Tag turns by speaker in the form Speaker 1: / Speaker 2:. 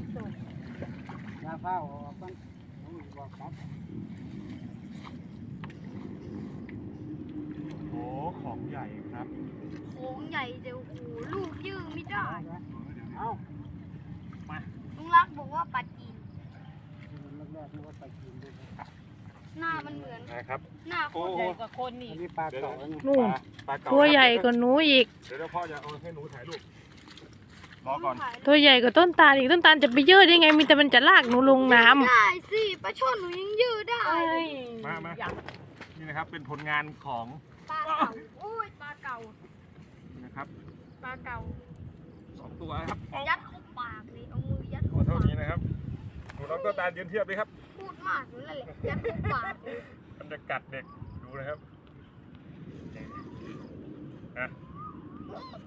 Speaker 1: ยาเฝ้าออกมันบอกครับ
Speaker 2: โอ้ของใหญ่ครับ
Speaker 3: โค้งใหญ่เดี๋ยวโอ้โหลูกยืดไม่ได้
Speaker 1: เอา
Speaker 3: ลุงรักบอกว่าปลาจีน
Speaker 1: แรกๆนึกว่าไปกินด้วย
Speaker 3: หน้ามันเหมือน
Speaker 2: นะครับ
Speaker 3: หน้าโคตร
Speaker 4: ใหญ่กว่าคนนี่
Speaker 1: อันนี้ปลาเก๋าไง
Speaker 5: นู่น
Speaker 2: ปลาเก๋า
Speaker 5: ตัวใหญ่กว่าหนูอีก
Speaker 2: เดี๋ยวพ่อจะเอาให้หนูถ่ายรูปรอก่อน
Speaker 5: ตัวใหญ่กว่าต้นตาลอีกต้นตาลจะไปยืดได้ไงมีแต่มันจะลากหนูลงน้ำ
Speaker 3: ได้สิปลาช่อนหนูยังยืดได้
Speaker 2: มานี่นะครับเป็นผลงานของ
Speaker 3: ปลาเก่าโอ้ยปลาเก่า
Speaker 2: นะครับ
Speaker 3: ปลาเก่า
Speaker 2: 2 ตัวครับ
Speaker 3: ยัดเข้าปากเลยเอามือยัด
Speaker 2: ตั
Speaker 3: เข้าว
Speaker 2: เท่า
Speaker 3: ปาก
Speaker 2: นี้นะครับหนูน้องต้นตาลยืนเทียบเลยครับ
Speaker 3: พูดมากนั่นแหละยัดเข้าปากเลย
Speaker 2: มันจะกัดเด็กดูนะครับอ่ะ